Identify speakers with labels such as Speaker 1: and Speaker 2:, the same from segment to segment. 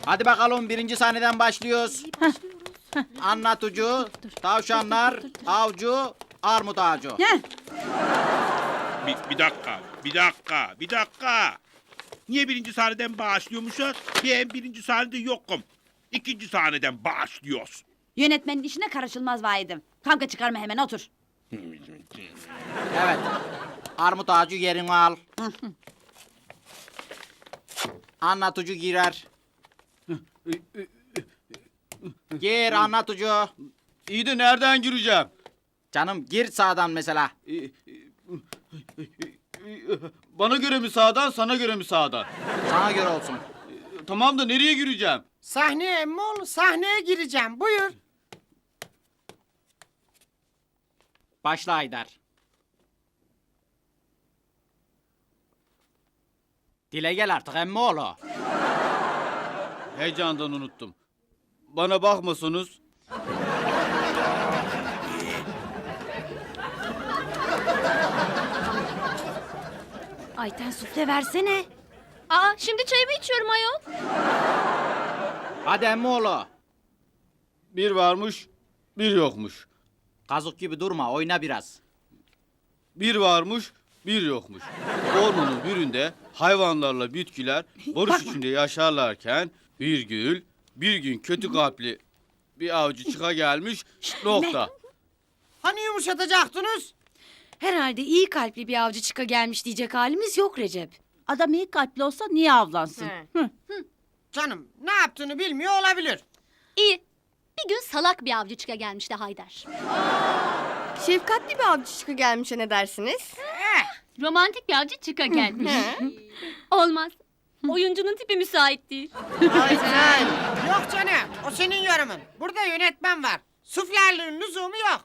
Speaker 1: Hadi bakalım birinci sahneden başlıyoruz. Anlatıcı, tavşanlar, avcı, armut ağacı.
Speaker 2: Bir dakika. Niye birinci sahneden başlıyormuşuz? Ben birinci sahnede yokum. İkinci sahneden başlıyoruz.
Speaker 3: Yönetmenin işine karışılmaz vahidim. Kavga çıkarma hemen otur.
Speaker 1: Evet. Armut ağacı yerini al. Anlatıcı girer. Gir anlatıcı.
Speaker 4: İyi de nereden gireceğim?
Speaker 1: Canım gir sağdan mesela.
Speaker 4: Bana göre mi sağdan, sana göre mi sağdan?
Speaker 1: Sana göre olsun.
Speaker 4: Tamam da nereye gireceğim?
Speaker 5: Sahneye emmol, sahneye gireceğim. Buyur.
Speaker 1: Başla Haydar. Dile gel artık emmoğlu.
Speaker 4: Heyecandan unuttum. Bana bakmasanız.
Speaker 3: Ayten sufle versene.
Speaker 6: Aa, şimdi çayımı içiyorum ayol.
Speaker 1: Hadi emmoğlu.
Speaker 4: Bir varmış, bir yokmuş.
Speaker 1: Kazık gibi durma oyna biraz.
Speaker 4: Bir varmış, bir yokmuş. Ormanın birinde hayvanlarla bitkiler barış içinde yaşarlarken bir gün kötü kalpli bir avcı çıka gelmiş. Nokta.
Speaker 5: Hani yumuşatacaktınız?
Speaker 3: Herhalde iyi kalpli bir avcı çıka gelmiş diyecek halimiz yok Recep.
Speaker 7: Adam iyi kalpli olsa niye avlansın?
Speaker 5: He. Canım ne yaptığını bilmiyor olabilir.
Speaker 6: İyi. Bir gün salak bir avcı çıka gelmişti Haydar.
Speaker 8: Şefkatli bir avcı çıkı gelmişe ne dersiniz?
Speaker 6: Romantik bir avcı çıka gelmiş. Olmaz. Oyuncunun tipi müsait değil.
Speaker 5: Ayten. Yok canım o senin yorumun. Burada yönetmen var. Suflerliğin lüzumu yok.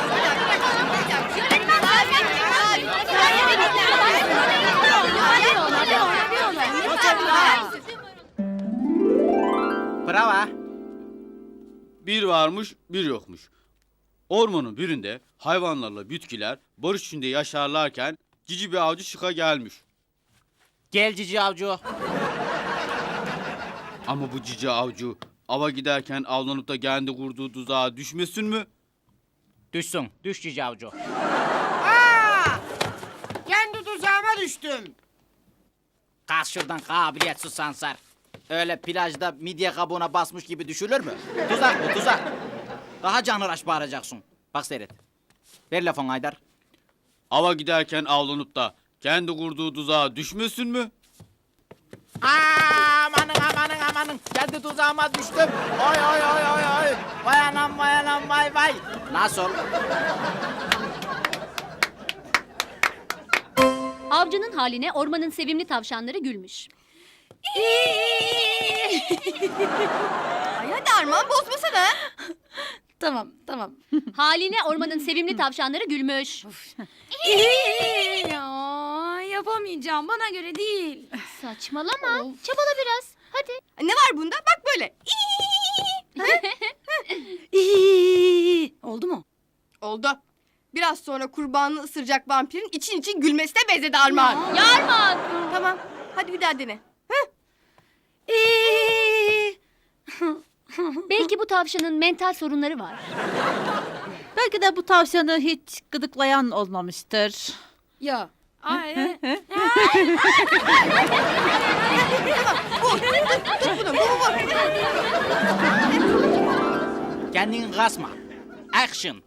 Speaker 1: Bravo.
Speaker 4: Bir varmış, bir yokmuş. Ormanın birinde hayvanlarla bitkiler barış içinde yaşarlarken cici bir avcı çıka gelmiş.
Speaker 1: Gel cici avcı.
Speaker 4: Ama bu cici avcı ava giderken avlanıp da kendi kurduğu tuzağa düşmesin mi?
Speaker 1: Düşsün. Düş cici avcı.
Speaker 5: Aa! Kendi tuzağıma düştüm.
Speaker 1: Kalk şuradan kabiliyetsiz sansar. Öyle plajda midye kabuğuna basmış gibi düşülür mü? Tuzak bu tuzak. Daha canhıraş bağıracaksın. Bak seyret. Ver lafını Haydar.
Speaker 4: Ava giderken avlanıp da kendi kurduğu tuzağa düşmesin mi?
Speaker 1: Amanın. Kendi tuzağıma düştüm. Oy. Vay anam vay. Nasıl?
Speaker 6: Avcının haline ormanın sevimli tavşanları gülmüş.
Speaker 8: Ay hadi Armağan bozmasana.
Speaker 3: Tamam.
Speaker 6: Haline ormanın sevimli tavşanları gülmüş.
Speaker 3: Ya yapamayacağım bana göre değil.
Speaker 6: Saçmalama. Çabala biraz. Hadi.
Speaker 8: Ne var bunda? Bak böyle.
Speaker 3: Oldu mu?
Speaker 8: Oldu. Biraz sonra kurbanını ısıracak vampirin için gülmesine benzedi Armağan.
Speaker 6: Yarman.
Speaker 8: Tamam. Hadi bir daha dene.
Speaker 6: Belki bu tavşanın mental sorunları var.
Speaker 7: Belki de bu tavşanı hiç gıdıklayan olmamıştır.
Speaker 3: Ya.
Speaker 1: Kendini kasma. Action.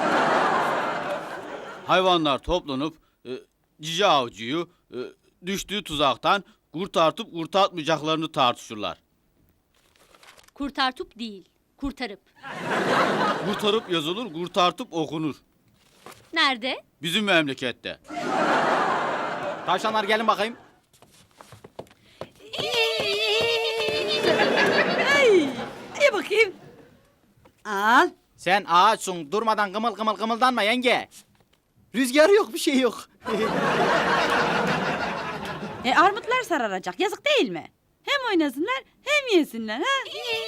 Speaker 4: Hayvanlar toplanıp cici avcıyı düştüğü tuzaktan kurtartıp kurtartmayacaklarını tartışırlar.
Speaker 6: Kurtartup değil. Kurtarıp.
Speaker 4: Kurtarıp yazılır, kurtartıp okunur.
Speaker 6: Nerede?
Speaker 4: Bizim memlekette.
Speaker 1: Tavşanlar gelin bakayım.
Speaker 7: İyi bakayım. Al.
Speaker 1: Sen ağaçsın durmadan kımıldanma yenge. Rüzgar yok bir şey yok.
Speaker 7: Armutlar sararacak. Yazık değil mi? Hem oynasınlar hem yesinler. Ha?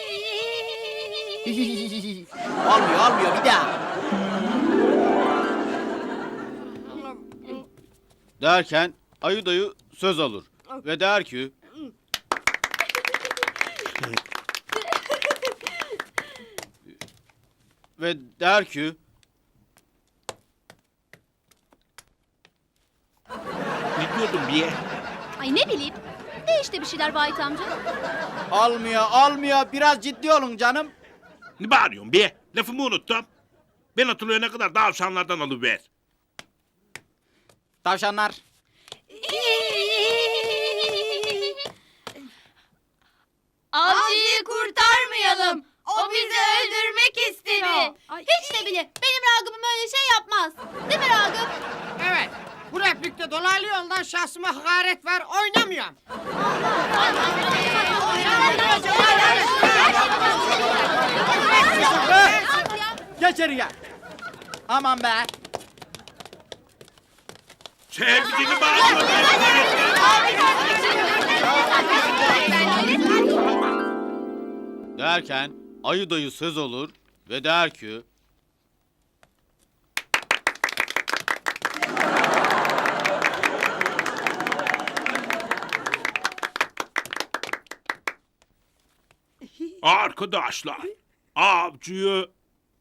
Speaker 1: olmuyor bir daha.
Speaker 4: Derken ayı dayı söz alır ve der ki Ve der ki
Speaker 2: Ne diyordum bir?
Speaker 6: Ay ne bileyim. De işte bir şeyler Vahit amca.
Speaker 1: Almıyor. Biraz ciddi olun canım.
Speaker 2: Ne bağırıyorsun be? Lafımı unuttum. Ben hatırlayana kadar davşanlardan alıver.
Speaker 1: Tavşanlar.
Speaker 6: Avcıyı kurtarmayalım. O bizi öldürmek istedi. Hiç de bile benim Ragıp'ım öyle şey yapmaz. Değil mi Ragıp?
Speaker 5: Evet. Bu replikte dolaylı yoldan şahsıma hakaret var. Oynamıyorum.
Speaker 1: Geç içeriye. Aman be.
Speaker 2: Sevgili bağırma.
Speaker 4: derken ayı dayı söz olur ve der ki
Speaker 2: Arkadaşlar, avcıyı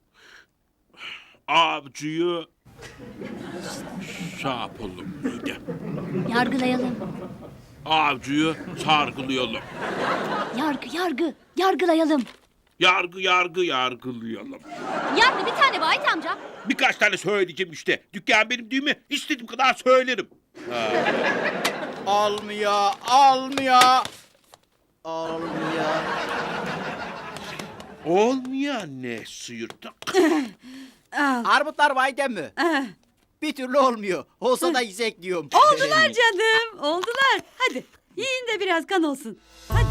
Speaker 2: şey yapalım. Neydi?
Speaker 6: Yargılayalım.
Speaker 2: Avcıyı sargılayalım.
Speaker 6: Yargılayalım.
Speaker 2: Yargılayalım.
Speaker 6: Yargı bir tane Vahit amca.
Speaker 2: Birkaç tane söyleyeceğim işte. Dükkan benim değil mi? İstediğim kadar söylerim.
Speaker 1: Almıyor.
Speaker 2: Olmayan ne sıyırtık?
Speaker 1: Armutlar vayden mi? Bir türlü olmuyor. Olsa da yiyecek diyorum.
Speaker 7: Oldular canım, oldular. Hadi yiyin de biraz kan olsun. Hadi.